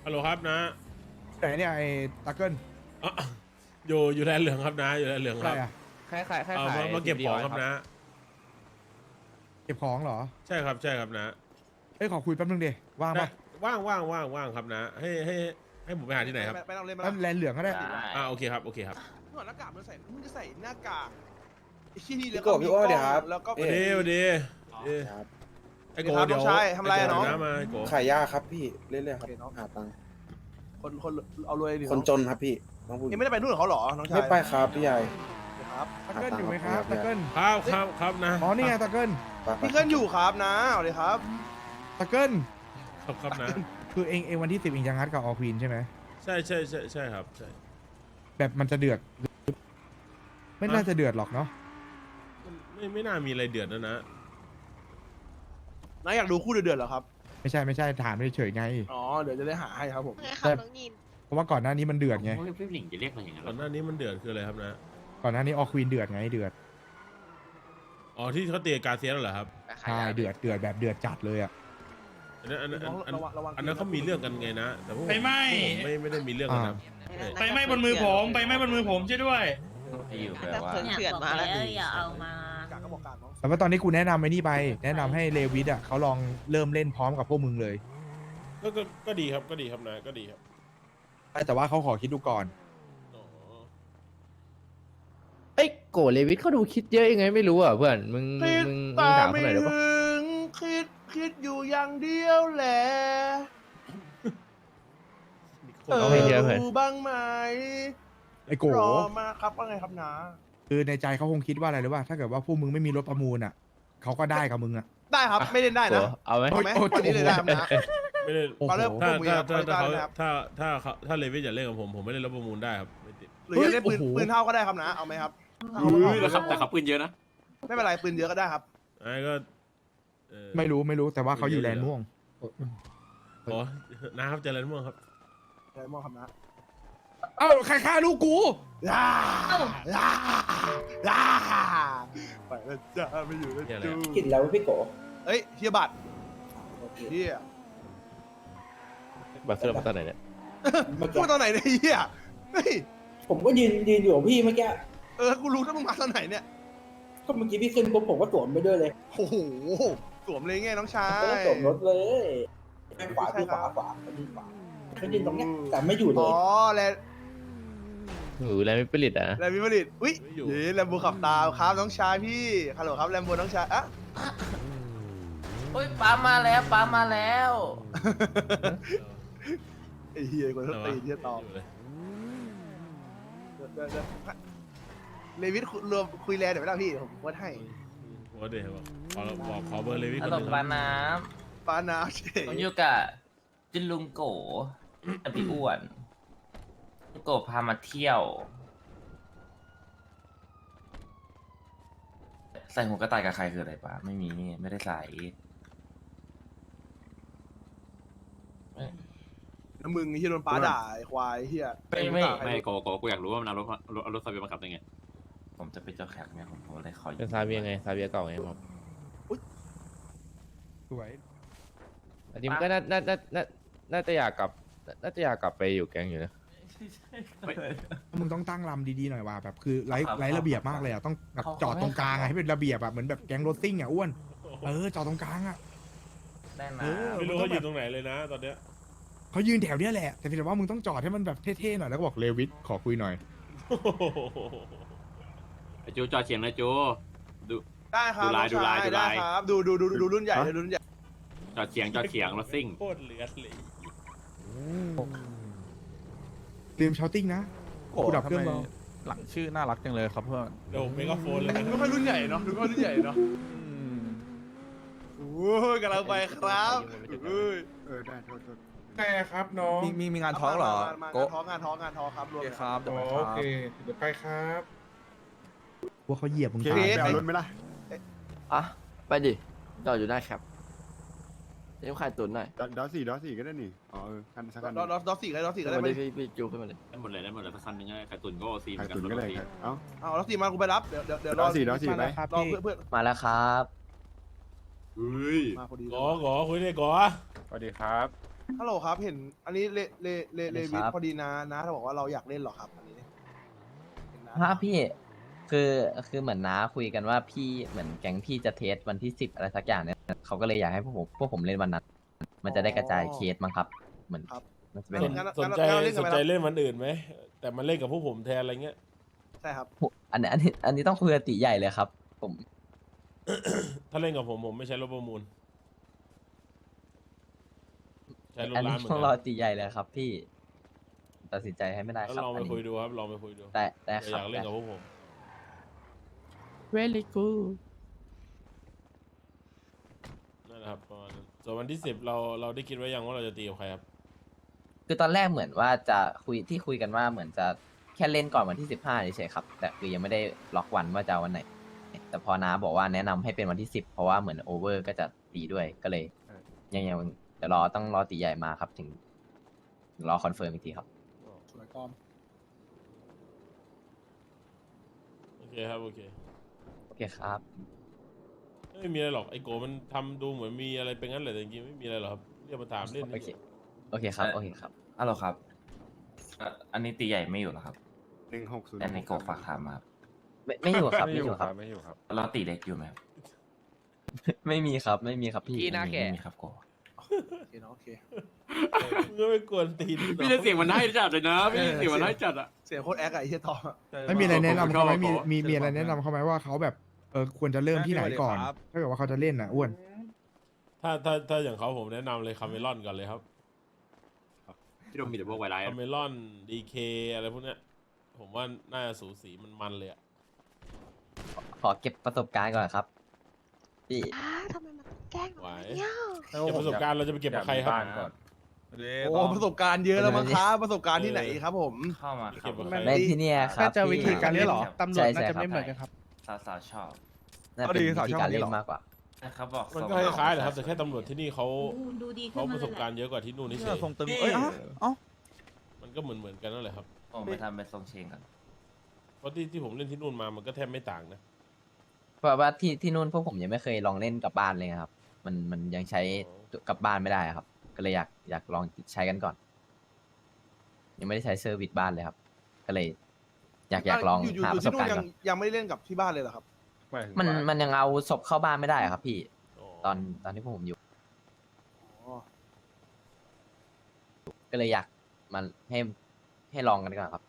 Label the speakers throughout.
Speaker 1: ฮัลโหลครับนะ
Speaker 2: ไหนเนี่ยไอ้ตะเกิล
Speaker 1: อ่ะอยู่แลนด์เหลืองครับนะอยู่แลนด์เหลือง
Speaker 2: อะ
Speaker 1: ค
Speaker 2: ไร
Speaker 1: รับ
Speaker 2: อะ
Speaker 3: คล้ายๆคล้าย
Speaker 1: เอา
Speaker 3: ๆ
Speaker 1: มาเก็บของครับนะ
Speaker 2: เก็บของเหรอ
Speaker 1: ใช่ครับใช่ครับนะ
Speaker 2: เอ้ยขอคุยแป๊บนึงดิว่างปะ
Speaker 1: ว่างครับนะให้ผมไปหาที่ไหนครับ
Speaker 4: ไปลองเล่นมา
Speaker 2: แป๊บแลนเหลืองก็ได้
Speaker 1: โอเคครับโอเคครับ
Speaker 4: ถอดหน้ากากมันใส่มึงจะใส่หน้ากากไอ้ที่นี่
Speaker 5: พี่โก้พี่โก้เดี๋ยวครับ
Speaker 4: แล้วก็
Speaker 1: สวัสดีสวัสดีไอ้โก
Speaker 4: ครับ
Speaker 1: เดี๋ยว
Speaker 4: น้องชายทำอะไรอะน้อง
Speaker 1: เดี๋ยวมาไอ้โก
Speaker 5: ขายยาครับพี่เรื่อยๆครับหาตังค์
Speaker 4: คนเอารวยดิ
Speaker 5: คนจนครับพี่น้องพูด
Speaker 4: ยังไม่ได้ไปนู่นกับเขาเหรอน้องชาย
Speaker 5: ไม่ไปครับพี่ใหญ่
Speaker 4: ครับ
Speaker 2: ตะเกิลอยู่ไหมครับตะเกิล
Speaker 1: ครับนะ
Speaker 2: อ๋อนี่ไงตะเกิล
Speaker 5: ไป
Speaker 4: พี่เกิลอยู่ครับนะเอาเลยครับ
Speaker 2: ตะเกิล
Speaker 1: ครับนะ
Speaker 2: คือเองวันที่10เองจะงัดกับออควีนใช่ไหม
Speaker 1: ใช่ครับใช่
Speaker 2: แบบมันจะเดือด ไม่น่าจะเดือดหรอกเนาะ
Speaker 1: ไม่น่ามีอะไรเดือดนะ
Speaker 4: นะอยากดูคู่เดือดๆเหรอครับ
Speaker 2: ไม่ใช่ถามเฉยๆไง
Speaker 4: อ๋อเดี๋ยวจะได้หาให้ครับผม
Speaker 6: ไงครับน้องยิน
Speaker 2: เพราะว่าก่อนหน้านี้มันเดือดไง
Speaker 7: พี่หลิงจะเรียกอะไรอย่างนั้น
Speaker 1: ก่อนหน้านี้มันเดือดคืออะไรครับนะ
Speaker 2: ก่อนหน้านี้ออควีนเดือดไงเดือด
Speaker 1: อ๋อที่เขาเตะการเซียนเหรอครับ
Speaker 2: ใช่เดือดแบบเดือดจัดเลยอ่ะ
Speaker 1: อันนั้น
Speaker 4: ระวัง
Speaker 1: อันนั้นเขามีเรื่องกันไงนะแต่พวก
Speaker 8: ไฟไหม้
Speaker 1: ผมไม่ได้มีเรื่องกันนะ
Speaker 8: ไฟไหม้บนมือผมไฟไหม้บนมือผมช่วยด้วย
Speaker 7: อยู่แปล
Speaker 6: แต่
Speaker 7: ว่า
Speaker 6: เถื่อนมาแล้ว
Speaker 9: อย่าเอามา
Speaker 4: กากก็บอกกากน้อง
Speaker 2: แต่ว่าตอนนี้กูแนะนำไอ้นี่ไป แนะนำให้เลวิสอ่ะเขาลองเริ่มเล่นพร้อมกับพวกมึงเลย
Speaker 1: ก็ดีครับนะก็ดีครับ
Speaker 2: แต่ว่าเขาขอคิดดูก่อน
Speaker 1: อ๋อ
Speaker 3: เอ้ยโกเลวิทเขาดูคิดเยอะยังไงไม่รู้อ่ะเพื่อนมึง
Speaker 4: คิด
Speaker 3: ถาม
Speaker 4: ไม่
Speaker 3: เขาหน่อยได้ปะ
Speaker 4: ถึงคิดอยู่อย่างเดียวแหละ
Speaker 3: เอาให้เยอะเพื่อน
Speaker 4: รู้บ้างไหม
Speaker 2: ไอ้โก
Speaker 4: รอมาครับว่าไงครับนะ
Speaker 2: คือในใจเขาคงคิดว่าอะไรหรือว่าถ้าเกิดว่าพวกมึงไม่มีรถประมูลอ่ะเขาก็ได้กับมึงอ่ะ
Speaker 4: ได้ครับไม่เล่นได้นะ
Speaker 3: โกเอาไหม
Speaker 4: เอาไหมวันนี้เลยได้ครับนะ
Speaker 1: ไม่ได้
Speaker 2: โอ้โห
Speaker 4: มาเริ่ม
Speaker 1: ถ้า
Speaker 4: พวกมึงครับ
Speaker 1: ถ้า
Speaker 4: ได้
Speaker 1: เขา
Speaker 4: นะครับ
Speaker 1: ถ้าเลวิสอยากเล่นกับผมไม่ได้รับประมูลได้ครับไม่ติด
Speaker 4: หรือจะเล่นปืนเท่าก็ได้ครับนะเอาไหมครับ
Speaker 7: แต่เขาปืนเยอะนะ
Speaker 4: ไม่เป็นไรปืนเยอะก็ได้ครับ
Speaker 1: ไอ้ก็
Speaker 2: ไม่รู้แต่ว่าเขาอยู่แลนด์ม่วง
Speaker 1: อ๋อนะครับเจริญม่วงครับ
Speaker 4: อะไรมองครับนะ
Speaker 2: เอ้าใครฆ่าลูกกู
Speaker 4: ย่าย่าย่าไปแล้วจ้าไม่อยู่แล้ว
Speaker 1: เหี้ยอะไร
Speaker 4: จู
Speaker 1: อะ
Speaker 5: กินแล้วพี่โก
Speaker 4: เฮ้ยเฮียบัตรเฮีย
Speaker 3: บัตรเสื้อมาตอนไหนเนี่ย
Speaker 4: พูดตอนไหนเนี่ยเฮียเฮ้ย
Speaker 5: ผมก็ยืนอยู่กับพี่เมื่อกี้
Speaker 4: กูรู้ถ้ามึงมาตอนไหนเนี่ย
Speaker 5: ก็เมื่อกี้พี่ขึ้นปุ๊บผมก็สวมไปด้วยเลย
Speaker 4: โอ้โหสวมเลยไงน้องชาย
Speaker 5: ก็สวมรถเลยขวาพี่ขวาพี่ขวาเขายืนตรงเนี้ยแต่ไม่อยู่เล
Speaker 4: อ๋
Speaker 5: ย
Speaker 4: อแล้ว
Speaker 3: หนูอะไรไม่ผลิตอ่ะ
Speaker 4: แรมบิบลิตอุ้ยเย้แรมโบขับตามครับน้องชายพี่ฮัลโหลครับแรมโบน้องชายอะ
Speaker 9: โอ้ยป้ามาแล้วป้ามาแล้ว
Speaker 4: ไอ้เฮียคนตีเฮียตอบเลวิทรวมคุยแลนเดี๋ยวไม่ได้พี่ผมวัดให้
Speaker 1: โอ้เดี๋ยวขอเบอร์เลวิส
Speaker 9: ฮั
Speaker 1: ค
Speaker 9: ล
Speaker 1: น
Speaker 9: โหล
Speaker 1: หนึ่งค
Speaker 9: ป้า
Speaker 1: รับ
Speaker 9: น้
Speaker 4: ปานาเฉ
Speaker 9: ำผม
Speaker 4: ย
Speaker 9: อยู่กับจินลุงโกกับพี่อ้วนลุงโกพามาเที่ยว ใส่หัวกระต่ายกับใครคืออะไรป้าไม่มีไม่ได้ใส่
Speaker 4: แล้วมึงที่โดนป้าด่าไอ้ควายเฮีย
Speaker 7: ไม่โกกูอยากรู้ว่ามันเอารถซาเบียมาขับได้ไง
Speaker 9: ผมจะเป็นเจ้าแขกเนี่ยผมเลยขอ
Speaker 3: เป็นซาเบียไงซาเบียเก่าไงครับ
Speaker 2: สวย
Speaker 3: อันนี้มันก็น่าจะอยากกลับไปอยู่แก๊งอยู่นะ
Speaker 2: มึงต้องตั้งลำดีๆหน่อยว่ะแบบคือไร้ระเบียบมากเลยอ่ะต้องแบบจอดตรงกลางอะให้เป็นระเบียบแบบเหมือนแบบแก๊งรถซิ่งอ่ะอ้วนจอดตรงกลางอ่ะ
Speaker 9: ได้นะ
Speaker 1: ไม่รู้เขาอยู่ตรงไหนเลยนะตอนเนี้ย
Speaker 2: เขายืนแถวเนี้ยแหละแต่เพียงแต่ว่ามึงต้องจอดให้มันแบบเท่ๆหน่อยแล้วก็บอกเลวิสขอคุยหน่อย
Speaker 7: ไอจูจอดเฉียงนะจูดู
Speaker 4: ได้ครับ
Speaker 7: ดูลาย
Speaker 4: ได้ครับดูรุ่นใหญ่เลยรุ่นใหญ่
Speaker 7: จอดเฉียงรถซิ่ง
Speaker 1: โคตรเหลือเลย
Speaker 2: ลืมชาวติ้งนะกูดับเครื่องรอ
Speaker 10: หลังชื่อน่ารักจังเลยครับเพื่อน
Speaker 1: เดี๋ยวเมกะโฟนเลยนะ
Speaker 4: ไม่ค่อยรุ่นใหญ่เนาะดูก็รุ่นใหญ่เนาะโอ้ยกำลังไปครับเอ้ย
Speaker 10: ได้โทษ
Speaker 2: ไงครับน้อง
Speaker 10: มีงานท้องเหรอ
Speaker 4: งาน
Speaker 10: โกะ
Speaker 4: ท้องครับรว
Speaker 10: โอ
Speaker 4: ม
Speaker 10: เคครับจะไปครับ
Speaker 2: เดี๋ยวไปครับว่าเขาเหยียบมึง
Speaker 4: เค
Speaker 2: ตาย
Speaker 4: ไป
Speaker 10: รถไหมล่ะ
Speaker 3: อ่ะไปดิจอดอยู่ได้ครับเดี๋ยวขายตุ๋นหน่อย
Speaker 10: ดอสี่ก็ได้นี่อ๋อคันสักคัน
Speaker 4: ดอสี่ก็ได้ไหม
Speaker 3: พี่จูขึ้นมาเลย
Speaker 7: ได้หมดเลยสักคันนึงไข่ตุนก็ซีเหมื
Speaker 10: ขา
Speaker 7: อย นกัน
Speaker 10: ตุนก็ได้เอ้า
Speaker 4: เอาดอสี่มากูไปรับเดี๋ยวร
Speaker 10: ด
Speaker 4: อ
Speaker 10: อสี่ไป
Speaker 4: รอเพื่อน
Speaker 3: มาแล้วครับ
Speaker 7: เฮ้ย
Speaker 4: มาพอดี
Speaker 1: กอคุยได้กอ
Speaker 10: สวัสดีครับ
Speaker 4: ฮัลโหลครับ เห็นอันนี้เลวิท
Speaker 9: ครับ
Speaker 4: พอดีนะถ้าบอกว่าเราอยากเล่นเหรอครับอันนี้เห็นนะ
Speaker 9: ฮะพี่คือเหมือนน้าคุยกันว่าพี่เหมือนแก๊งพี่จะเทสวันที่10อะไรสักอย่างเนี่ยเขาก็เลยอยากให้พวกผมเล่นวันนั้นมันจะได้กระจายเคสมั้งครับ เหมือน
Speaker 4: ครับ
Speaker 9: มันจะเป็น
Speaker 1: สนใจสนใจเล่นวันอื่นไหมแต่มันเล่นกับพวกผมแทนอะไรเงี้ย
Speaker 4: ใช่ครับ
Speaker 9: อันนี้ต้องคุยกับตีใหญ่เลยครับ ผม
Speaker 1: ถ้าเล่นกับผมไม่ใช้รถประมูลใช้รถ
Speaker 9: อัน
Speaker 1: ร้า
Speaker 9: นี้
Speaker 1: นเหมือน
Speaker 9: ต้อง
Speaker 1: กั
Speaker 9: รอน ตีใหญ่เลยครับ พี่ ตัดสินใจให้ไม่ได้
Speaker 1: แล้ว
Speaker 9: ครับ
Speaker 1: ลองไป
Speaker 9: อันนี้
Speaker 1: คุยดูครับลองไปคุยดู
Speaker 9: แต่
Speaker 1: แต่
Speaker 9: ค
Speaker 1: อ
Speaker 9: รับ
Speaker 1: ยากเล่นกับพวกผม
Speaker 3: very good
Speaker 1: นั่นแหละครับประมาณนั้นส่วนวันที่10เราได้คิดไว้ยังว่าเราจะตีกับใครครับ
Speaker 9: คือตอนแรกเหมือนว่าจะคุยกันว่าเหมือนจะแค่เล่นก่อนวันที่15เฉยๆครับ แต่คือยังไม่ได้ล็อกวันว่าจะเอาวันไหน แต่พอน้าบอกว่าแนะนำให้เป็นวันที่10เพราะว่าเหมือนโอเวอร์ก็จะตีด้วยก็เลยยังเดี๋ยวต้องรอตีใหญ่มาครับถึงรอคอนเฟิร์มอีกทีครับ
Speaker 4: สวยก้อม
Speaker 1: โอเคครับโอเค
Speaker 9: โอเคครับ
Speaker 1: ไม่มีอะไรหรอกไอโกมันทำดูเหมือนมีอะไรเป็นงั้นแหละแต่จริงๆไม่มีอะไรหรอกครับเรียกมาถามเล่น
Speaker 9: โอเค โอเคครับ โอเคครับ
Speaker 6: ฮัลโหลครับอันนี้ตีใหญ่ไม่อยู่เหรอครับ
Speaker 10: 1606
Speaker 6: แต่ในโกฝากถามมาครับ
Speaker 9: ไม่อยู่ครับ ไม่อยู่ครับ
Speaker 10: ไม่อยู่ครับ
Speaker 6: เราตีเล็กอยู่ไหมครับ
Speaker 9: ไม่มีครับ ไม่มีครับพี่
Speaker 3: พี่หน้าแก่
Speaker 6: ไม่มีครับโก
Speaker 4: โอเคเนาะโอเค
Speaker 1: มึงก็ไม่กวนตีน
Speaker 7: พี่จะเสียงมันให้จัดเลยนะพี่เสียงมันให้จัดอ่ะ
Speaker 4: เสียงโคตรแอคอะไอ้เหี้ยต่ออะ
Speaker 2: ไม่มีอะไรแนะนำเขาไหม
Speaker 7: ผมชอบ
Speaker 2: มีอะไรแนะนำเขาไหมว่าเขาแบบควรจะเริ่มที่ไหนก่อน ถ้าเกิดว่าเขาจะเล่นน่ะอ้วน
Speaker 1: ถ้าอย่างเขาผมแนะนำเลยคาเมลอนก่อนเลยครับ
Speaker 7: ที่เรามีแต่พวกไวรัส
Speaker 1: คาเมลอนดีเคอะไรพวกเนี้ยผมว่าน่าจะสูสีมันเลยอะ
Speaker 9: ขอเก็บประสบการณ์ก่อนครับ พี่
Speaker 11: ทำไมมันต้องแกล้งหนู
Speaker 1: ไหว
Speaker 11: เนี่ย
Speaker 1: เก็บประสบการณ์เราจะไปเก็บกับใครครับ
Speaker 4: โอ้ประสบการณ์เยอะแล้วมั้งครับประสบการณ์ที่ไหนครับผม
Speaker 6: เข้ามาค
Speaker 1: เก็
Speaker 6: รับบ
Speaker 1: กับใคร
Speaker 9: ในที่เนี่ยครับ
Speaker 3: น่าจะวิธีการเล่น
Speaker 9: หรอ
Speaker 3: ตำรวจน่าจะไม่เหมือนกันครับ
Speaker 6: สาวๆชอบ
Speaker 9: น่าเป็นวิธีการเล่นมากกว่า
Speaker 6: นะครับบอก
Speaker 1: มันก็คล้ายๆแหละครับแต่แค่ตำรวจที่นี่เขา
Speaker 11: ดูดีขึ้
Speaker 1: เขา
Speaker 11: น
Speaker 1: ป
Speaker 11: มา
Speaker 1: ระสบการณ์เยอะกว่าที่นู่นนี่เฉย
Speaker 10: ทรงตึงเอ้ยเอ้า
Speaker 1: มันก็เหมือนกันนั่นแหละครับ
Speaker 6: ผมไปทำเป็นทรงเชงกัน
Speaker 1: เพราะที่ผมเล่นที่นู่นมามันก็แทบไม่ต่างนะ
Speaker 9: เพราะว่าที่นู่นพวกผมยังไม่เคยลองเล่นกับบ้านเลยครับ มันยังใช้กับบ้านไม่ได้ครับ ก็เลยอยากลองใช้กันก่อน ยังไม่ได้ใช้เซอร์วิสบ้านเลยครับ ก็เลย อยากลอง
Speaker 4: อยู่
Speaker 9: หาประส
Speaker 4: ที่
Speaker 9: บ
Speaker 4: นู่
Speaker 9: การ
Speaker 4: น
Speaker 9: ณ์
Speaker 4: ยัง
Speaker 9: ก่อน
Speaker 4: ยังไม่ได้เล่นกับที่บ้านเลยเหรอครับ
Speaker 9: มันยังเอาศพเข้าบ้านไม่ได้ครับ พี่ ตอนที่พวกผมอยู่
Speaker 4: อ๋อ
Speaker 9: ก็เลยอยากมันให้ลองกันก่อนครับ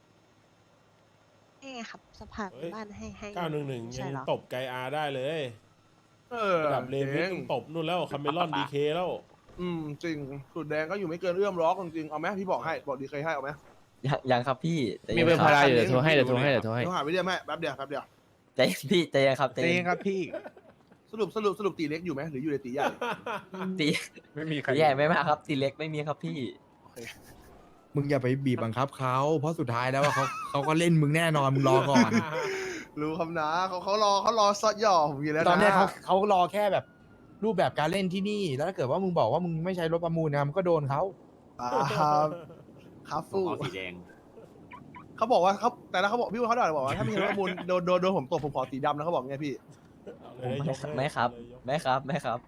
Speaker 11: นี่ไงครับสภาพบ้านให้
Speaker 1: 911
Speaker 11: ใช่
Speaker 1: ยัง
Speaker 11: เหรอ
Speaker 1: ตบไกอาได้เลย
Speaker 4: เออ
Speaker 1: ระดับเลมิ
Speaker 4: เจ๋
Speaker 1: ก
Speaker 4: ง
Speaker 1: ตบนู่นแล้วคาเมลอนดีเคแล้ว
Speaker 4: จริงสูตรแดงก็อยู่ไม่เกินเอื้อมล็อกจริงๆเอาไหมพี่บอกให้บอกดีเคยให้เอาไหม
Speaker 9: ยังครับพี่ใจ
Speaker 3: มี
Speaker 9: ย็น
Speaker 3: เบอร์
Speaker 9: ค
Speaker 3: พา
Speaker 9: บ
Speaker 3: ราอยู่เดี๋ยวโทรให้เดี๋ยวโทรให้
Speaker 4: เดี๋ยวหาวิดีโอแม่แป๊บเดียว
Speaker 9: ใจเย็นพี่ใจเย็นครับใจ
Speaker 3: จริ
Speaker 9: เย็
Speaker 3: ง
Speaker 9: น
Speaker 3: ครับพี่
Speaker 4: สรุปตีเล็กอยู่ไหมหรืออยู่ในตีใหญ่
Speaker 9: ตี
Speaker 10: ไม่มีใคร
Speaker 9: ตีใหญ่ไม่มากครับ ตีเล็กไม่มีครับพี่
Speaker 2: มึงอย่าไปบีบบังคับเขาเพราะสุดท้ายแล้วว่าเขาก็เล่นมึงแน่นอนมึงรอก่อน
Speaker 4: รู้คำนะเขารอซอดหย่อผมอยู่แล้วนะ
Speaker 2: ตอนเนี้ยเขารอแค่แบบรูปแบบการเล่นที่นี่ แล้วถ้าเกิดว่ามึงบอกว่ามึงไม่ใช้รถประมูลนะมันก็โดนเขา
Speaker 4: ครับครับ
Speaker 7: ผม
Speaker 4: ฟู่
Speaker 7: เอาสีแดง
Speaker 4: เขาบอกว่าเขาแต่แล้วเขาบอกพี่ว่าเขาบอกว่าถ้ามีรถประมูลโดนผมตบผมขอสีดำนะเขาบอกไงพี่
Speaker 1: เอาเลยยกให้
Speaker 9: ไม่ครับ
Speaker 1: เอาเลยยก
Speaker 9: ไม่ครับไม่ครับ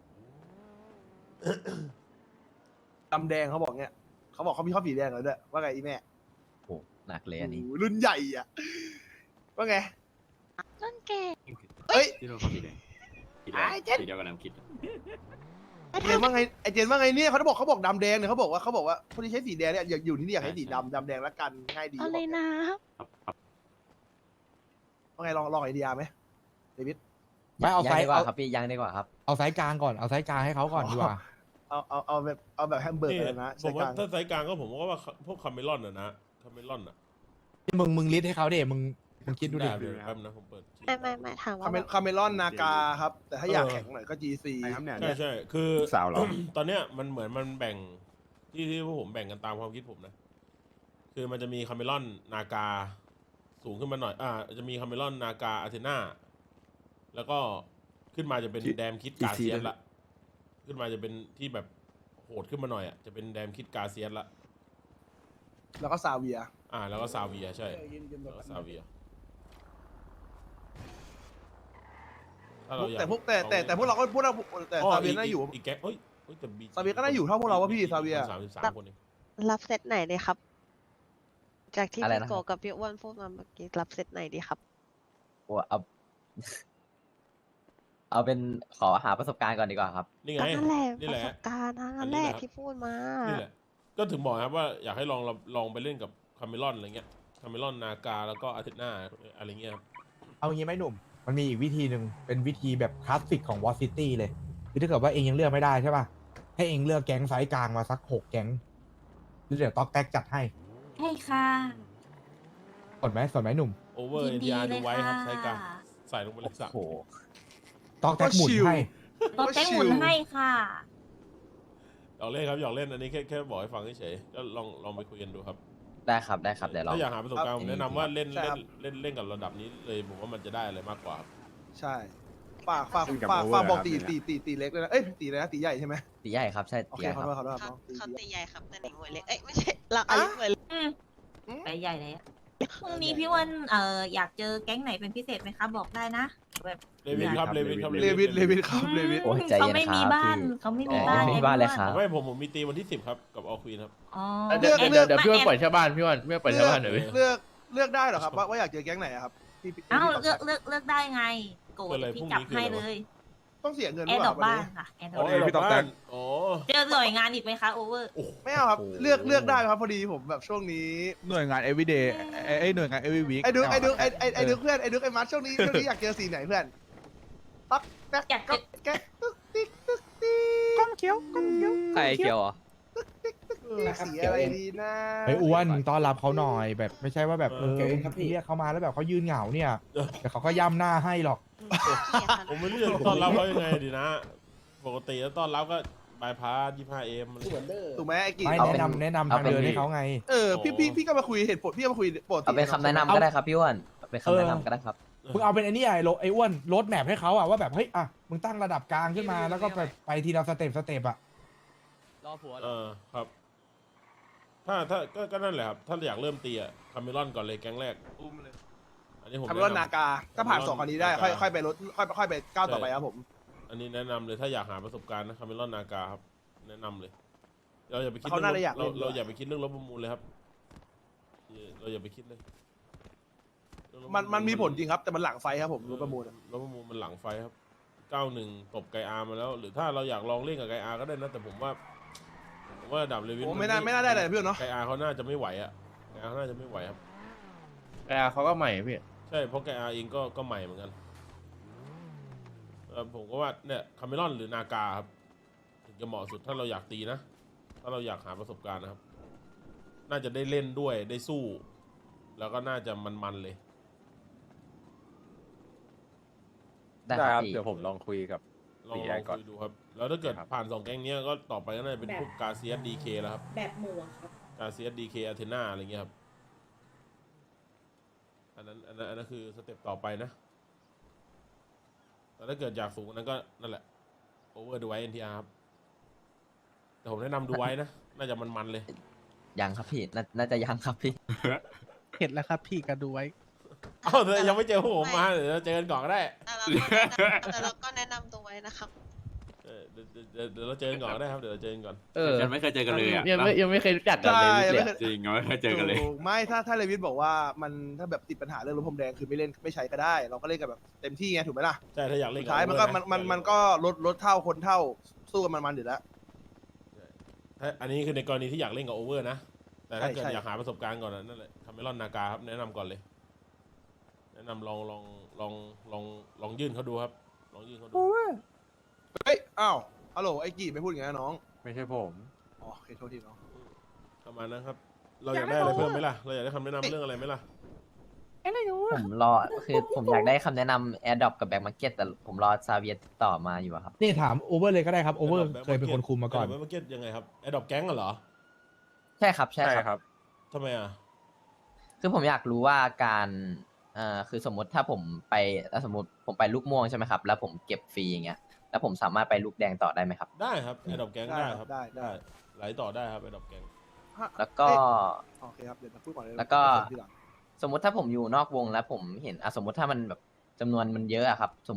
Speaker 4: ดำแดงเขาบอกเงี้ยเขาบอกเขามีข้อสีแดงเลยด้วยว่าไงอีแม่
Speaker 9: โอ้หนักเลยอันนี้
Speaker 4: โอ้โหรุ่นใหญ่อะว่าไง
Speaker 11: ต้นเกศ
Speaker 4: เอ้ย
Speaker 7: ที่เราเข้าสีแดงสีแดง
Speaker 4: ไอ้เจ๊
Speaker 7: สีเดียวกับน้ำคิด
Speaker 4: ไอเจนว่าไงไอเจนว่าไงเนี่ยเขาบอกดำแดงเนี่ยเขาบอกว่าคนที่ใช้สีแดงเนี่ยอยากอยู่ที่นี่อยากให้สีดำแดงละกันง่ายดี
Speaker 11: อะไรนะ
Speaker 4: ว่าไงลองไอเดียไหมเดวิด
Speaker 2: ไม่เอา
Speaker 9: ยัง
Speaker 2: ไซ
Speaker 9: ดี
Speaker 2: ส์
Speaker 9: กว่า
Speaker 2: เอา
Speaker 9: ครับพี่ยังดีกว่าครับ
Speaker 2: เอาไซส์กลางก่อนเอาไซส์กลางให้เขาก่อนดีกว่า
Speaker 4: เอาแบบแฮมเบอร์เกอร์นะ
Speaker 1: ผ
Speaker 4: ใช่
Speaker 1: ม
Speaker 4: ก
Speaker 1: ว่า
Speaker 4: ลาง
Speaker 1: ถ้าไซส์กลางก็ผมว่าพวกคาเมลอนอะนะคาเมลอนอะ
Speaker 2: มึงลิสต์ให้เขาเดมึงคิดดูดิ
Speaker 1: ได้เลยครับนะผมเปิด
Speaker 11: ไม่ถามว่า
Speaker 4: คาเมลอนนากาครับ แต่ถ้าอยากแข็งหน่อยก็ GC
Speaker 10: ใครครับเนี่ย
Speaker 1: ใช่คือ
Speaker 10: สาวเหรอ
Speaker 1: ตอนเนี้ยมันเหมือนมันแบ่งที่พวกผมแบ่งกันตามความคิดผมนะ คือมันจะมีคาเมลอนนากาสูงขึ้นมาหน่อยจะมีคาเมลอนนากาอาเทนาแล้วก็ขึ้นมาจะเป็นแดมคิดกาเซียสละขึ้นมาจะเป็นที่แบบโหดขึ้นมาหน่อยอ่ะจะเป็นแดมคิดกาเซียสละ
Speaker 4: แล้วก็ซาเวีย
Speaker 1: แล้วก็ซาเวียใช่แล้วก็ซาเวียถ้าเราอยาก
Speaker 4: แต่พวกเราก็พูดแต่ซาเวียน่าอยู่
Speaker 1: อีกแก๊งเอ้ยฮ้ยแต่ BG
Speaker 4: ซาเวียก็น่าอยู่เท่าพวกเราวะพี่ซาเวีย
Speaker 1: 33 คนเอง
Speaker 11: รับเซตไหนดีครับ จากที่
Speaker 9: อะไร
Speaker 11: พี่
Speaker 9: นะ
Speaker 11: โกกับพี่อ้วนพูดมาเมื่อกี้รับเซตไหนดีครับ
Speaker 9: โอ้เอา เอาเป็นขอหาประสบการณ์ก่อนดีกว่าครับ
Speaker 1: นี่ไง
Speaker 11: ก็นั่นแหละ
Speaker 1: นี่
Speaker 11: ป
Speaker 1: แห
Speaker 11: ระ
Speaker 1: ละ
Speaker 11: สบการณ์ทั้ง
Speaker 1: อั
Speaker 11: นั้น น
Speaker 1: นี้
Speaker 11: แห
Speaker 1: แห
Speaker 11: ละ
Speaker 1: ละ
Speaker 11: ที่พูดมา
Speaker 1: นี่แหละ ก็ถึงบอกครับว่าอยากให้ลองไปเล่นกับคาเมลอนอะไรเงี้ยคาเมลอนนากาแล้วก็อาทิตย์หน้าอะไรเงี้ยครับ
Speaker 2: เอางี้ไหมหนุ่ม มันมีอีกวิธีหนึ่งเป็นวิธีแบบคลาสสิกของวอซิตี้เลยคือถ้าเกิดว่าเองยังเลือกไม่ได้ใช่ป่ะ ให้เองเลือกแก๊งไซส์กลางมาสัก6 แก๊งแล้วเดี๋ยวต๊อกแท็กจัดให้
Speaker 11: ใช่ค่ะ
Speaker 2: สนไหมหนุ่ม
Speaker 1: โอเวอร์ NTR ดูไว้ครับใช้การใส่ลงไปเลยสัก
Speaker 9: โอ้โห
Speaker 2: ต๊อกแท็กหมุนให้
Speaker 11: ต้องแจ้งหมุนให้ค่ะ
Speaker 1: หยอกเล่นครับหยอกเล่นอันนี้แค่บอกให้ฟังเฉยๆก็ลองไปคุยกันดูครับ
Speaker 9: ได้ครับได้ครับเดี๋ยวเรา
Speaker 1: ถ้าอยากหาประสบการณ์ผมแนะนำว่าเล่น
Speaker 4: ใช่ครับ
Speaker 1: เล่นกับระดับนี้เลยผมว่ามันจะได้อะไรมากกว่าครับ
Speaker 4: ใช่ฝาก
Speaker 10: ขึ้นกับ
Speaker 4: บอก
Speaker 10: over
Speaker 4: ตี
Speaker 10: ครับ
Speaker 4: ตีเล็กเลยนะเอ้ยตีเลยนะตีใหญ่ใช่ไหม
Speaker 9: ตีใหญ่ครับใช่
Speaker 4: โอ
Speaker 9: ตี
Speaker 4: เค
Speaker 9: ใหญ่
Speaker 4: ขอ
Speaker 9: ครับ
Speaker 4: โทษครับ
Speaker 11: เขา
Speaker 4: น้องตี
Speaker 11: เขา
Speaker 4: ใหญ่
Speaker 11: ตีใหญ่ครับแต่หนิงมวยเล็ก เอ้ยไม่ใช่ เราอายุมวยเล็ก
Speaker 12: ไปใหญ่เลยอะพรุ่งนี้พี่อ้วนอยากเจอแก๊งไหนเป็นพิเศษไหมคะบอกได้นะแบบ
Speaker 1: เลวินครับเลวินครับ
Speaker 4: เลวินครับเลวิน
Speaker 9: โอ้ยใจ
Speaker 12: เขา
Speaker 9: เย็น
Speaker 12: ไม่
Speaker 9: ค
Speaker 12: มี
Speaker 9: รับ
Speaker 12: บ้าน
Speaker 9: พี่
Speaker 12: เขาไม่
Speaker 9: อ๋
Speaker 12: มี
Speaker 9: อ
Speaker 12: บ้าน
Speaker 9: ไม่มีบ้านเลยครับ
Speaker 1: ไม่ผมมีตีวันที่ 10 ครับ กับออควีนครับ
Speaker 12: อ๋อ
Speaker 4: เลือก
Speaker 3: เดี๋ยวพี่อ้วนปล่อยชาวบ้านพี่อ้วนไม่ปล่อยชาวบ้านหน่อยพี่
Speaker 4: เลือกได้เหรอครับว่าอยากเจอแก๊งไหนอะครับพี่
Speaker 12: อ้าว
Speaker 4: พี่
Speaker 12: เลือกได้ไงโกรธ
Speaker 1: อะไร
Speaker 12: พี่
Speaker 1: พรุ่ง
Speaker 12: จับ
Speaker 1: นี้คือ
Speaker 12: ให้
Speaker 1: อะไร
Speaker 12: เล
Speaker 1: วะ
Speaker 12: ย
Speaker 4: ต้องเสียเงินห
Speaker 12: แอ
Speaker 4: รือ
Speaker 12: ร์
Speaker 4: เป
Speaker 12: ดรอ
Speaker 4: ล่า
Speaker 12: ป
Speaker 4: วันนี้
Speaker 12: บ้านค่ะแอร์ดร
Speaker 1: อ๋
Speaker 12: อ
Speaker 1: อ
Speaker 12: ป
Speaker 10: พี่ตอกแตก
Speaker 1: อ๋อ
Speaker 12: เจอหน่วยงานอีกไหมคะโอเวอร์
Speaker 4: ไม่เอาครับเลือกได้ครับพอดีผมแบบช่วงนี้
Speaker 10: หน่วยงาน everyday ไอ้หน่วยงาน every week
Speaker 4: ไอ้ดึกเพื่อนไอ้มัดช่วงนี้อยากเจอสีไหนเพื่อนตักแก๊ก
Speaker 12: อยากเจอ
Speaker 4: แก๊กตึ๊กติ๊กตึ๊กติ๊ก
Speaker 2: ก้มเขียวก้มเขียว
Speaker 3: ใครเขียวอ่ะ
Speaker 4: สีอะไรดีนะ
Speaker 2: ไอ้อ้วนมึงต้อนรับเขาหน่อยแบบไม่ใช่ว่าแบบ
Speaker 5: เก่งครับพี่
Speaker 2: เรียกเขามาแล้วแบบเขายืนเหงาเนี่ยแต่เขาก็ย่ำหน้าให้หรอก
Speaker 1: ผมไม่รู้จะต้อนรับเขายังไงดีนะ ปกติแล้วต้อนรับก็บายพาส 25M
Speaker 5: เหมือนเดิม
Speaker 4: ถูกไหมไอ้กี่
Speaker 2: ไม่
Speaker 9: เอาเป็น
Speaker 2: แนะนำทางเดินให้เขาไง
Speaker 4: พี่ก็มาคุยเหตุผลพี่ก็มาคุยปกติ
Speaker 9: เอาเป็นคำแนะนำก็ได้ครับพี่อ้วนเอาเป็นคำแนะนำก็ได้ครับ
Speaker 2: มึงเอาเป็นไอ้นี่ไอ้อ้วนโรดแมพให้เขาอะว่าแบบเฮ้ยอะมึงตั้งระดับกลางขึ้นมาแล้วก็ไปทีละสเต็ปอะ
Speaker 3: รอผัว
Speaker 1: ครับ ถ้าก็นั่นแหละครับ ถ้าอยากเริ่มตีอะคาเมลอนก่อนเลยแก๊งแรกอันนี้ผม
Speaker 4: คาร์บอนนากาถ้าผ่าน2คนนี้ได้ค่อยไปรถค่อยไปก้าวต่อไปครับผม
Speaker 1: อันนี้แนะนำเลยถ้าอยากหาประสบการณ์นะคาเมลอนนากาครับ แนะนำเลย เราอย่าไปคิด
Speaker 4: เขาน่าจะอยาก
Speaker 1: เรา
Speaker 4: เล่นด้วย
Speaker 1: เราอย่าไปคิดเรื่องรถประมูลเลยครับเราอย่าไปคิดเลยเรื่องรถประ
Speaker 4: มันมีผลจริงครับ แต่มันหลังไฟครับผมรถประมูล
Speaker 1: รถประมูลมันหลังไฟครับ 91 ตบไกอามาแล้ว หรือถ้าเราอยากลองเล่นกับไกอาก็ได้นะ แต่ผมว่าระดับเลวิน
Speaker 4: โอ้ไม่น่าได้เลยเพื่อนเนาะ
Speaker 1: ไกอาเขาน่าจะไม่ไหวอ่ะไกอาเขาน่าจะไม่ไหวครับ
Speaker 3: แต่เขาก็ใหม่พี่
Speaker 1: ใช่เพราะไกอาเองก็ใหม่เหมือนกันผมก็ว่าเนี่ยคาเมลอนหรือนากาครับถึงจะเหมาะสุดถ้าเราอยากตีนะ ถ้าเราอยากหาประสบการณ์นะครับ น่าจะได้เล่นด้วยได้สู้ แล้วก็น่าจะมันๆเลย
Speaker 9: ได้ครับพี่
Speaker 3: เดี๋ยวผมลองคุยกับ
Speaker 1: ลอง
Speaker 3: ตีใหญ่ก่อน
Speaker 1: คุยดูครับ แล้วถ้าเกิด
Speaker 3: ครับ
Speaker 1: ผ่าน2แก๊งเนี้ยก็ต่อไปก็น่าจะเป็นพวกกาเซียสดีเคแล้วครับ
Speaker 11: แบบหมูครับ
Speaker 1: กาเซียสดีเคอาเทนาอะไรเงี้ยครับอันนั้นคือสเต็ปต่อไปนะ แต่ถ้าเกิดอยากสูงกว่านั้นก็นั่นแหละโอเวอร์ดูไว้ NTR ครับ แต่ผมแนะนำดูไว้นะ น่าจะมันๆเลย
Speaker 9: ยังครับพี่น่าจะยังครับพี่
Speaker 2: เห็นแล้วครับพี่ก็ดูไว้
Speaker 1: เอ้าแต่ยังไม่เจอพวกผมมาเดี๋ยวเราเจอกันก่อนก็ได้
Speaker 11: แต่เราก็แนะนำตัวไว้นะครับ
Speaker 1: เดี๋ยวเราเจอกันก่อนก็ได้ครับเดี๋ยวเราเจอกันก่อน
Speaker 7: ฉันไม่เคยเจอกันเลยอ่ะ
Speaker 3: ยังไม่เคยรู้จักกันเลย
Speaker 4: ใช่
Speaker 3: พี่
Speaker 4: ไม่
Speaker 3: เสี่ย
Speaker 4: เคย
Speaker 7: จริงยังไม่เคยเจอกันเลย
Speaker 4: ถูกไม่ถ้าเลวิสบอกว่ามันถ้าแบบติดปัญหาเรื่องรถพรมแดงคือไม่เล่นไม่ใช้ก็ได้ เราก็เล่นกันแบบเต็มที่ไงถูกไหมล่ะ
Speaker 1: ใช่ถ้าอยากเล่น
Speaker 4: สุ
Speaker 1: บ
Speaker 4: ดท้ายมันก็
Speaker 1: Over ะ
Speaker 4: มันก็ลดเท่าคนเท่าสู้กันมันอยู่แล้ว
Speaker 1: ถ้าอันนี้คือในกรณีที่อยากเล่นกับโอเวอร์นะ แต่ถ้าเกิด
Speaker 4: ใช่
Speaker 1: อยากหาประสบการณ์ก่อนนั่นแหละคาเมลอนนากาครับแนะนำก่อนเลย แนะนำลองยื่นเขาดูครับ ลองยื่นเขาดู
Speaker 4: เฮ้ยอ้าวฮัลโหลไอ้กี่ไม่พูดอย่างนั้นนะน้อง
Speaker 10: ไม่ใช่ผม
Speaker 4: อ๋อโอเคโทษทีน้อง
Speaker 1: ประมาณนั้นครับ เราอยากได้อะไรเพิ่มไหมล่ะ เราอยากได้คำแนะนำเรื่องอะไรไหมล่ะ
Speaker 9: ผมรอคือผมอยากได้คำแนะนำ AirDrop กับ Back Market แต่ผมรอซาเวียติดต่อมาอยู่อะครับ
Speaker 2: นี่ถามโอเวอร์เลยก็ได้ครับโอเวอร์
Speaker 1: Adopt
Speaker 2: เคยเป็นคนคุมมาก่อน
Speaker 1: Adopt Market ยังไงครับแอดดอปแก๊งเหรอ
Speaker 9: ใช่ครับใช่ครับ
Speaker 1: ทำไมอ่ะ
Speaker 9: คือผมอยากรู้ว่าการคือสมมติถ้าผมไปสมมติผมไปลูกม่วงใช่ไหมครับ แล้วผมเก็บฟรีอย่างเงี้ย แล้วผมสามารถไปลูกแดงต่อได้ไหมครับ
Speaker 1: ได้ครับแอดดอปแก๊ง
Speaker 4: ได้
Speaker 1: ได้
Speaker 4: ค
Speaker 1: ค
Speaker 4: รั
Speaker 1: รั
Speaker 4: บบ ได้
Speaker 1: ไหลต่อได้ครับแอดดอปแก๊ง
Speaker 9: แล้วก็
Speaker 4: โอเคครับเดี๋ยวพูดก่อนเลย
Speaker 9: แล้วก็
Speaker 4: ทีหลัง
Speaker 9: สมมติถ้าผมอยู่นอกวงแล้วผมเห็นสมมติถ้ามันแบบจำนวนมันเยอะอะครับ สมมติ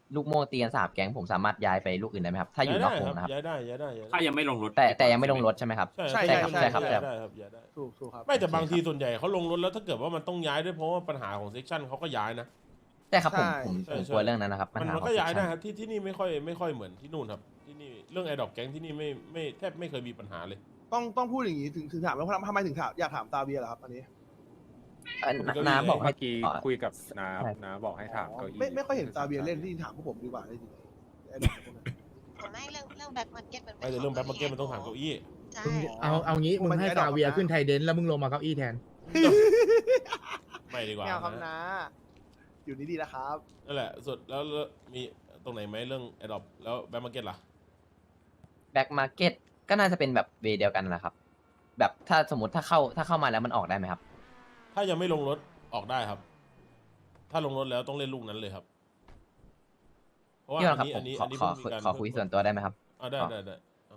Speaker 9: ลูกโม่ตีกัน3 แก๊งผมสามารถย้ายไปลูกอื่นได้ไหมครับถ้าอยู่นอกวงนะครับ
Speaker 1: ย้ายได้ย้ายได้
Speaker 7: ถ้ายังไม่ลงรถ
Speaker 9: แต่ยังไม่ลงรถใช่ไหมครับ
Speaker 1: ใช่
Speaker 9: ใช่ครับใช่ครับ
Speaker 1: ย้ายได้ครับย้ายได้
Speaker 4: ถูกครับ
Speaker 1: ไม่แต่บางทีส่วนใหญ่เขาลงรถแล้วถ้าเกิดว่ามันต้องย้ายด้วยเพราะว่าปัญหาของเซกชันเขาก็ย้ายนะ
Speaker 9: ใช่ครับผม
Speaker 1: ใช่
Speaker 9: ผม
Speaker 1: ใช่
Speaker 9: กลัวเรื่องนั้นนะครับปัญ
Speaker 1: มัน
Speaker 9: หา
Speaker 1: มัน
Speaker 9: ของ
Speaker 1: ก็ย้ายได้
Speaker 9: section
Speaker 1: ครับที่นี่ไม่ค่อยเหมือนที่นู่นครับที่นี่เรื่องไอดอกแก๊งที่นี่ไม่แทบไม่เคยมีปัญหาเลย
Speaker 4: ต้องพูดอย่างนี้ถึงถามว่าทำไมถึงถามอยากถามซาเวียเหรอครับอันนี้
Speaker 9: น้าบอกให้
Speaker 10: เมื่อกี้คุยกับน้าบอกให้ถามเก้าอี้
Speaker 4: ไม่ค่อยเห็นซาเวียเล่นที่ถามพวกผมดีกว่าได้จริง
Speaker 11: ไม่เรื่องแบ็คมาร์เก็ตมัน
Speaker 1: ไม่แต่เรื่องแบ็คมาร์เก็ตมันต้องถามเก้าอี้
Speaker 11: ใช่
Speaker 2: เอางี้มึงให้ซาเวียขึ้นไทเดนแล้วมึงลงมาเก้าอี้แทน
Speaker 1: ไม่ดีกว่า
Speaker 4: ไม่เอาครับ
Speaker 1: นะ
Speaker 4: นะ อยู่นี่ดีนะครับ
Speaker 1: นั่นแหละสุดแล้วมีตรงไหนไหมเรื่องไอดอปแล้วแบ็คมาร์เก็ตล่ะ
Speaker 9: แบ็กมาร์เก็ตก็น่าจะเป็นแบบเวย์เดียวกันแหละครับ แบบถ้าสมมติถ้าเข้ามาแล้วมันออกได้ไหมครับ
Speaker 1: ถ้ายังไม่ลงรถออกได้ครับ ถ้าลงรถแล้วต้องเล่นลูกนั้นเลยครับเพราะว่า
Speaker 9: พี่
Speaker 1: อั
Speaker 9: วัน
Speaker 1: น
Speaker 9: ครับ
Speaker 1: นี้
Speaker 9: ผม
Speaker 1: อันนี้
Speaker 9: ขอ
Speaker 1: เพิ่งมีการ
Speaker 9: ขอคุยส่วนตัวได้ไหมครับ
Speaker 1: ได้
Speaker 9: ขอ
Speaker 1: ได้เอา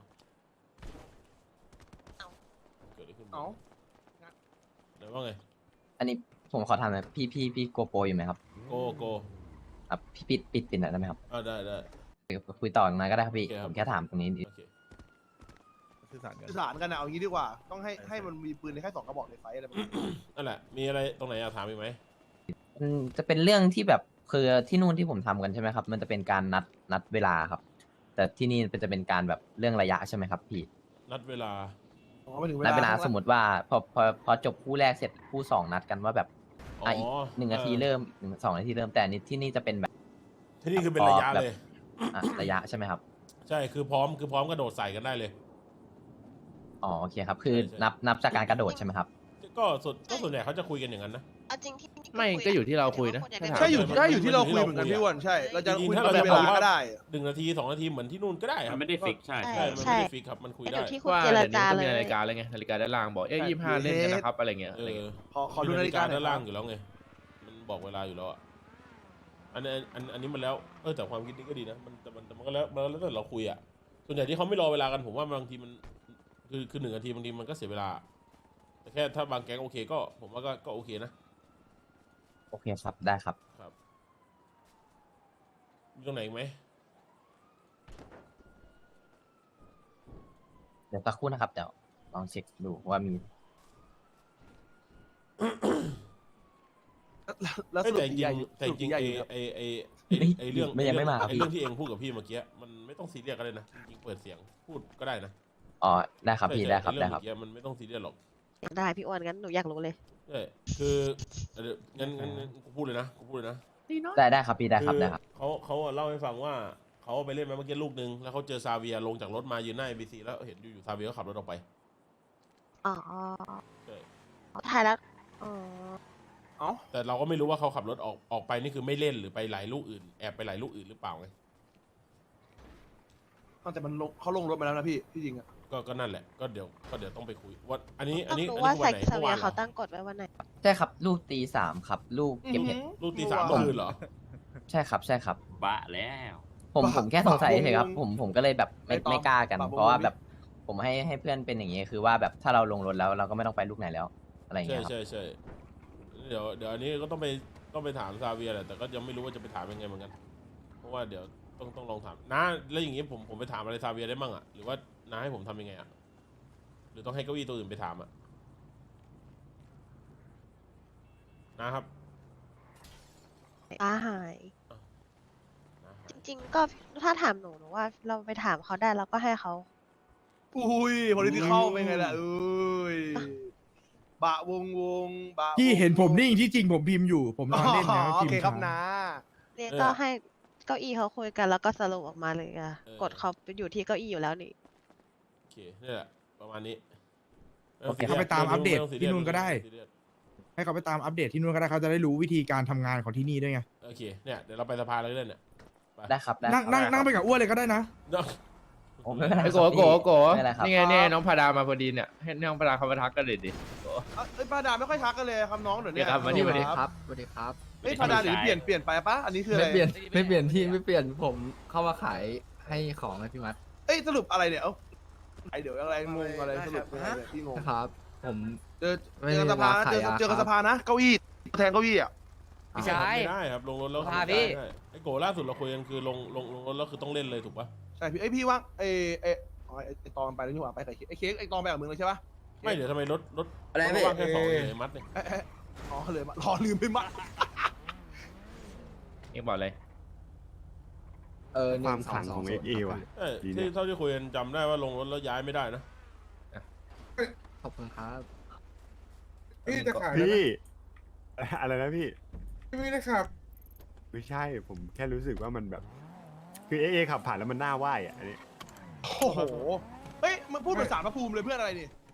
Speaker 1: เกิดอะไรขึ้น
Speaker 4: เอา
Speaker 1: เดี๋ยวว่าไง
Speaker 9: อันนี้ผมขอถามหน่อยพี่โกโปรอยู่ไหมครับ
Speaker 1: โก
Speaker 9: ครับพี่ปิดหน่อยได้ไหมครับ
Speaker 1: ได้
Speaker 9: คุยต่อหน่อยก็ได้ครับพี่
Speaker 1: โอเคครับ
Speaker 9: ผมแค่ถามตรงนี้
Speaker 1: โอเค
Speaker 10: สื่อสารกัน
Speaker 4: สื่อสารกันนะเอางี้ดีกว่า ต้องให้มันมีปืนในแค่2 กระบอกในไฟอะไรแบบนี้
Speaker 1: นั่นแหละมีอะไรตรงไหนอยากถามอีกไหม
Speaker 9: จะเป็นเรื่องที่แบบคือที่นู่นที่ผมทำกันใช่ไหมครับ มันจะเป็นการนัดเวลาครับ แต่ที่นี่จะเป็นการแบบเรื่องระยะใช่ไหมครับพี่
Speaker 1: นัดเวลา
Speaker 4: อ๋อมาถึง
Speaker 9: นัดเวลา
Speaker 4: ข้ง
Speaker 9: สมมติว่าพอจบคู่แรกเสร็จคู่2นัดกันว่าแบบ
Speaker 1: อ๋อ
Speaker 9: อีก1 นาทีเริ่ม2 นาทีเริ่มแต่อันนี้ที่นี่จะเป็นแบบ
Speaker 1: ที่นี่คือเป็นระยะ
Speaker 9: แบบ
Speaker 1: เลย
Speaker 9: ระยะใช่ไหมครับ
Speaker 1: ใช่คือพร้อมกระโดดใส่กันได้เลย
Speaker 9: อ๋อโอเคครับคือ
Speaker 1: ใช่
Speaker 9: นับจากการกระโดดใช่ไหมครับ
Speaker 1: ก็ส่วนใหญ่เขาจะคุยกันอย่างนั้นนะ
Speaker 11: เอาจริงที่
Speaker 3: ไม่ก็อยู่ที่เราคุยนะ
Speaker 4: ใช่อยู่
Speaker 1: มัน
Speaker 4: ใช่อยู่ที่เราคุย
Speaker 1: มัน
Speaker 4: เหมือนกัน
Speaker 1: อยู่ที่
Speaker 4: พี่
Speaker 1: เราคุย
Speaker 4: อ้วนใช่ เราจะ
Speaker 1: จริงๆ
Speaker 4: คุย
Speaker 1: ถ้า
Speaker 4: กั
Speaker 1: เรา
Speaker 4: น
Speaker 1: จะ
Speaker 4: เว
Speaker 1: บอก
Speaker 4: ลา
Speaker 1: ว่า
Speaker 4: ก็ได้
Speaker 1: 1 นาที 2 นาทีเหมือนที่นู่นก็ได้ค
Speaker 7: มั
Speaker 1: รับ
Speaker 7: นไม่ได้ฟิกใช่
Speaker 1: ใช่มันไม่ได้ฟิกครับมันคุย
Speaker 11: อ
Speaker 1: ได้
Speaker 11: ยู่ที่คุณ
Speaker 3: ว่า
Speaker 11: เจร
Speaker 3: เดี๋ยวนี้
Speaker 11: จา
Speaker 3: ก็
Speaker 11: เล
Speaker 3: มี
Speaker 11: ย
Speaker 3: นาฬิกาแล้วไงนาฬิกาด้านล่างบอก25เล่นกันนะครับอะไรเงี้ย
Speaker 1: เอ
Speaker 3: อะไร
Speaker 1: อ
Speaker 3: เงี้ย
Speaker 4: ขอดูนาฬิกาหน่
Speaker 1: ด้า
Speaker 4: อย
Speaker 1: น
Speaker 4: ค
Speaker 1: ล่า
Speaker 4: รั
Speaker 1: ง
Speaker 4: บ
Speaker 1: อยู่แล้วไงมันบอกเวลาอยู่แล้วอ่ะอันนี้มันแล้วแต่ความคิดนี้ก็ดีนะมันก็แล้วแต่เราคุยอ่ะส่วนใหญ่ที่เขาไม่รอเวลากันผมว่าบางทีมันคือ1 นาทีบางทีมันก็เสียเวลา แต่แค่ถ้าบางแก๊งโอเคก็ผมว่าก็โอเคนะ
Speaker 9: โอเคครับได้ครับ
Speaker 1: ครับมีตรงไหนอีกไหม
Speaker 9: เดี๋ยวสักครู่นะครับเดี๋ยวลองเช็คดูว่ามี
Speaker 4: แล้วสรุป
Speaker 1: แต่จ
Speaker 4: ตี
Speaker 1: ริ
Speaker 4: ใหญ่
Speaker 1: งๆแต่จริง
Speaker 4: ใหญ่
Speaker 1: ๆไอเรื่อง
Speaker 9: ไม่ยังไม่มาครับ
Speaker 1: ไอเรื่องที่เองพูดกับพี่เมื่อกี้มันไม่ต้องซีเรียสก็ได้นะจริงๆเปิดเสียงพูดก็ได้นะ
Speaker 9: อ๋อได้ครับพี่
Speaker 1: ใช่
Speaker 9: ได้ครับ
Speaker 1: ไอ้
Speaker 9: ได้
Speaker 1: เรื่อง
Speaker 9: ครับ
Speaker 1: เมื่อกี้มันไม่ต้องซีเรียสหรอก
Speaker 11: ได้พี่อ้วนงั้นหนูอยากรู้เลย
Speaker 1: ใช่คืองั้นกูพูดเลยนะ
Speaker 9: ได้ครับพี่ได้ครับได้ครับ
Speaker 1: เขาเล่าให้ฟังว่าเขาไปเล่นมาเมื่อกี้ลูกนึงแล้วเขาเจอซาเวียลงจากรถมายืนหน้า ABC แล้วเห็นอยู่ซาเวียก็ขับรถออกไป
Speaker 11: อ๋อ
Speaker 1: ใช่
Speaker 11: ถ่ายแล้ว อ๋อ
Speaker 1: แต่เราก็ไม่รู้ว่าเขาขับรถออกไปนี่คือไม่เล่นหรือไปหลายลูกอื่นแอบไปหลายลูกอื่นหรือเปล่าไง
Speaker 4: แต่มันเขาลงรถมาแล้วนะพี่จริงอะ
Speaker 1: ก็นั่นแหละก็เดี๋ยวต้องไปคุยว่าอันนี้
Speaker 11: ต้อง
Speaker 1: คือ
Speaker 11: รู้
Speaker 1: วั
Speaker 11: ว่าน
Speaker 1: ไหน
Speaker 11: ซา
Speaker 1: เมื่อ
Speaker 11: เวี
Speaker 1: วาย นเหร
Speaker 11: เขา
Speaker 1: อ
Speaker 11: ตั้งกฎไว้วันไหน
Speaker 9: ใช่ครับลูกตี3ครับลูกเก็บเห็ด
Speaker 1: ลูกตี 3 เมื่อคืนเหรอ
Speaker 9: ใช่ครับใช่ครับ
Speaker 7: บะแล้ว
Speaker 9: ผมแค่สงสัยเฉยๆครับผมก็เลยแบบไม่กล้ากัน
Speaker 4: ปะวง
Speaker 9: เพราะว่าแบบผมให้เพื่อนเป็นอย่างนี้คือว่าแบบถ้าเราลงรถแล้วเราก็ไม่ต้องไปลูกไหนแล้ว อะไรอย่าง
Speaker 1: ใช่
Speaker 9: เงี้ยครับ
Speaker 1: ใช่เดี๋ยวอันนี้ก็ต้องไปถามซาเวียแหละแต่ก็ยังไม่รู้ว่าจะไปถามยังไงเหมือนกัน เพราะว่าเดี๋ยวต้องลองถามนะแล้วอย่างงี้ผมไปถามอะไรซาเวียได้มั่งอ่ะหรือว่าน้าให้ผมทำยังไงอ่ะหรือต้องให้เก้าอี้ตัวอื่นไปถามอ่ะนะครับ
Speaker 11: ป้าหาย
Speaker 1: น้าหา
Speaker 11: จ
Speaker 1: ย
Speaker 11: ริง ๆ ก็ถ้าถามหนูว่าเราไปถามเขาได้เราก็ให้เขา
Speaker 4: อุ้ย political เป็นไงล่ะอุ้ยบะวงบะ
Speaker 2: พี่เห็นผมนิ่งที่จริงผมพิมพ์อยู่ ผมนอนเล่นนะ
Speaker 4: โอ
Speaker 2: พิม
Speaker 4: เค
Speaker 2: พ์
Speaker 4: ครับ
Speaker 2: ช้า
Speaker 4: นะ
Speaker 11: เนี่ยก็ให้เก้าอี้เขาคุยกันแล้วก็สรุปออกมาเลยอะกฎเขาอยู่ที่เก้าอี้อยู่แล้วนี่
Speaker 1: โอเคนี่แหละประมาณนี้
Speaker 2: โอเคเขาไปตามอัปเดต
Speaker 1: ไม่ต้งซีรียส
Speaker 2: ที่นู่นก็ได้
Speaker 1: ม่ต้องซีเรียส
Speaker 2: ให้เขาไปตามอัปเดตที่นู่นก็ได้เขาจะได้รู้วิธีการทำงานของที่นี่ด้วยไง
Speaker 1: โอเคเนี่ยเดี๋ยวเราไปสภาเลยก็ได้เนี่ยไป
Speaker 9: ได้ครับได้
Speaker 2: นั่งไปกับอ้วนเลยก็ได้นะ
Speaker 9: โอ้ไม่เป็นไร
Speaker 3: ไอ้
Speaker 9: ค
Speaker 3: โก
Speaker 9: รับ
Speaker 3: โก
Speaker 9: พี่
Speaker 3: โก
Speaker 9: ไม่เป็นไรครับ
Speaker 3: นี่ไงเนี่ยน้องพาดามาพอดีเนี่ยให้น้องพาดาเขามาทักกันเลยดิ
Speaker 4: เอ้ยป้าดาไม่ค่อยทักกันเลยครับน้องเดี๋ยวนี้
Speaker 3: เนี่ยครับมานี่มาดิ
Speaker 4: ครับ
Speaker 5: สวัสดีครับ
Speaker 4: เฮ้ยป้าดาเดี๋ยวนี้เปลี่ยนไปปะอันนี้คืออะไร
Speaker 5: ไม่เปลี่ยนที่ไม่เปลี่ยนผมเข้ามาขายให้ของให้พี่มัด
Speaker 4: เอ้ยสรุปอะไรเนี่ยเอ้าไอเดี๋ยวอะไรงงอะไรสรุปเป็นอะไรเนี่ยพี่งง
Speaker 5: นะครับ ผม
Speaker 4: เจอ
Speaker 5: ไม่
Speaker 4: กันสภา
Speaker 5: ได้
Speaker 4: นะ
Speaker 5: ขาย
Speaker 4: เจอกัน
Speaker 5: ครับ
Speaker 4: สภานะเก้าอี้แทนเก้าอี้อ่ะ
Speaker 3: พี่ชาย
Speaker 1: ไม่ได้ครับลงรถแล้ว
Speaker 3: พาพี่
Speaker 1: ไม่ได้ไอ้โกล่าสุดเราคุยกันคือลงรถแล้วคือต้องเล่นเลยถูกปะ
Speaker 4: ใช่พี่ไอยพี่ว่างไอตองไปแล้วนี่หว่าไปกับไอเค้กไอตองไปกับมึงเลยใช่ปะ
Speaker 1: ไม่เดี๋ยวทำไมรถ
Speaker 5: อะไร
Speaker 1: รถ
Speaker 5: พี่
Speaker 1: ว่างแค่สองเลยไอ้มัดเนี่ย
Speaker 4: อ๋อเลยรอลืมไปมัด
Speaker 3: เอ็กบอกเลย
Speaker 10: ความฝันของเอ็กเอว่ะ
Speaker 1: เอ้ยที่เท่าที่คุยกันจำได้ว่าลงรถแล้วย้ายไม่ได้นะ
Speaker 5: ขอบคุณครับ
Speaker 10: พี่จะขายพี่ อะไรนะพี่ไม่ได้ขับไม่ใช่ผมแค่รู้สึกว่ามันแบบ คือเอ็กเอขับผ่านแล้วมันน่าไหวอ่ะอันนี้
Speaker 4: โอ้โหเฮ้ยมันพูดภาษาพระภูมิเลยเพื่อนอะไรนี่